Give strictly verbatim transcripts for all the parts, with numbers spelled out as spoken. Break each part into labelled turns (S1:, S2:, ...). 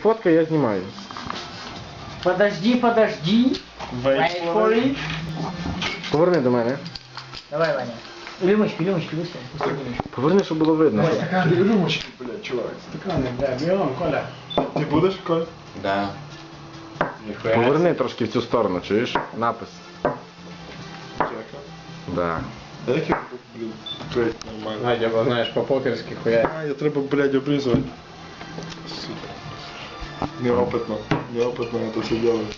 S1: фоткай, я знімаю.
S2: Подожди, подожди.
S3: Wait for it.
S1: Поверни до мене.
S2: Давай, Ваня. Рюмочку, рюмочку, быстро.
S1: Поверни, щоб було видно.
S3: Стаканы, рюмочки, блядь, чувак. Стаканы, бля, берем, Коля. Ты будешь, Коль?
S4: Да. Ніхуя.
S1: Поверни трошки в цю сторону, чуєш? Напис.
S3: Чека.
S1: Да.
S3: А як я, блін, клеїть нормально?
S4: Надя, бо знаєш, по-покерськи хуя.
S3: А, я треба, блядь, обрізувати. Сука. Неопитно. Неопитно это все делать.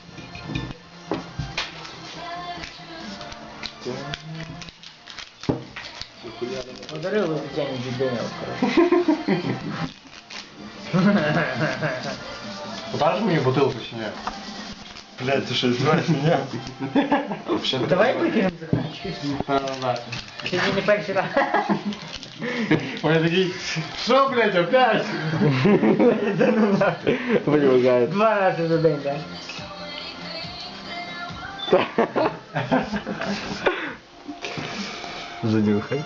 S2: Подарил бы Татьяне Дюбеневу, короче.
S4: Подаш мені бутилку чи ні?
S3: Блядь, ты что, издеваешься меня?
S2: Давай выкинем заканчивай. Сегодня не первый раз.
S4: Вони такі, що, блядь, опять?
S2: Да ну нахуй.
S1: Виявляється.
S2: Два раза за день, да?
S1: Занюхай.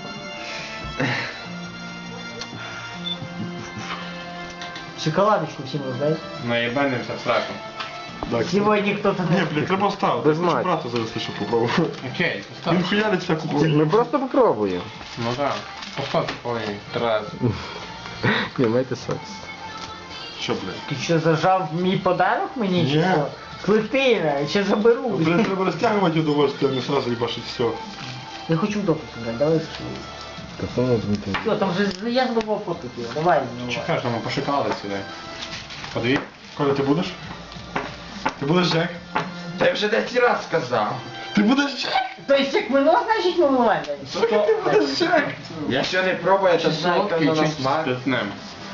S2: Шоколадочку всем раздать.
S4: Наєбанимося страшно.
S3: Да,
S2: Сегодня кто-то...
S3: Не, блядь, треба ставити.
S1: Без
S3: Я хочу
S1: мать.
S3: брата завести, щоб попробувати.
S4: Окей,
S3: Він
S4: постав.
S3: хуярить всяку хуйню.
S1: Ми просто попробуємо.
S4: Ну так, постав повинні, три рази.
S1: Ні, майте секс.
S3: Що, блядь?
S2: Ти що, зажав мій подарок мені?
S3: Ні.
S2: Чи що? Клетина, ще заберу.
S3: Блядь, треба розтягувати удовольствие, а не сразу їбашить все.
S2: Я хочу допуск брать, давай.
S1: Та само зміти.
S2: Все, там же я забыл фото его. Давай, ну.
S4: Чекай, що ми пошукали сюди. Подиві.
S3: Коля, ти будеш? Ти будеш Джек?
S4: Та я вже десять раз сказав.
S3: Ти будеш Джек?
S2: То есть як минуло, значить ми вимагаємо.
S3: Сука, ти будеш Джек?
S4: Я ще не пробую, це знаю,
S5: Солодкий
S4: яка
S5: чи
S4: на смак.
S5: спиртним?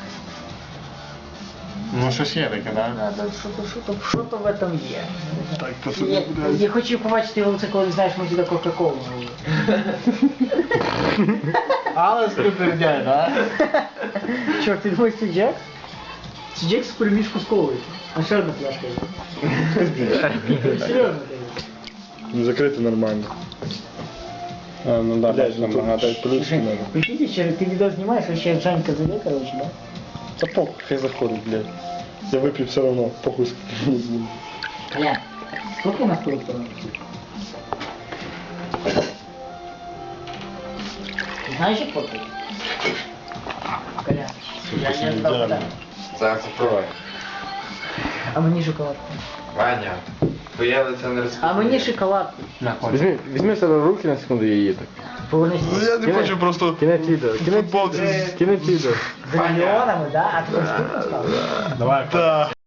S5: Ну щось є таке, да?
S2: Надо, що-то, що-то, що-то в этом є.
S3: Так, то
S2: Я,
S3: це, блядь.
S2: я хочу побачити його це, коли знаєш, ми сюди Кока-Колу налили.
S5: Але скупердяй, да?
S2: Чувак, ти думаєш, це Джек? Це Джек з перемішку з колою. А ще одна пляшка є. Серйозно кажу.
S3: Не закрити нормально.
S5: А, ну да,
S3: Блядь,
S5: бачиш,
S3: ну
S5: там
S3: тут
S5: багато.
S3: плюшки надо.
S2: Прикиньте, ще ти відео знімаєш, а ще Жанька зайде, короче, да?
S3: Та похуй, хай заходить, блядь. Я вип'ю все равно, похуй скільки.
S2: Колян, сколько у нас тут? Знаешь, як фоткать? Колян, я не
S3: Ідеально.
S2: знав, куди.
S4: Зараз попробуй.
S2: А мені шоколадку.
S4: Ваня, твоє лице не розповідає.
S2: А мені шоколадку.
S5: На, хоч.
S1: Візьми, візьми себе в руки на секунду і її так.
S2: Повернись.
S3: Ну я не
S1: Кінець-
S3: хочу просто...
S1: Кінець відео. Кінець
S3: Футболці.
S1: відео. Кінець відео.
S2: З мільйонами, да? А ти що став?
S5: Давай,
S3: Та.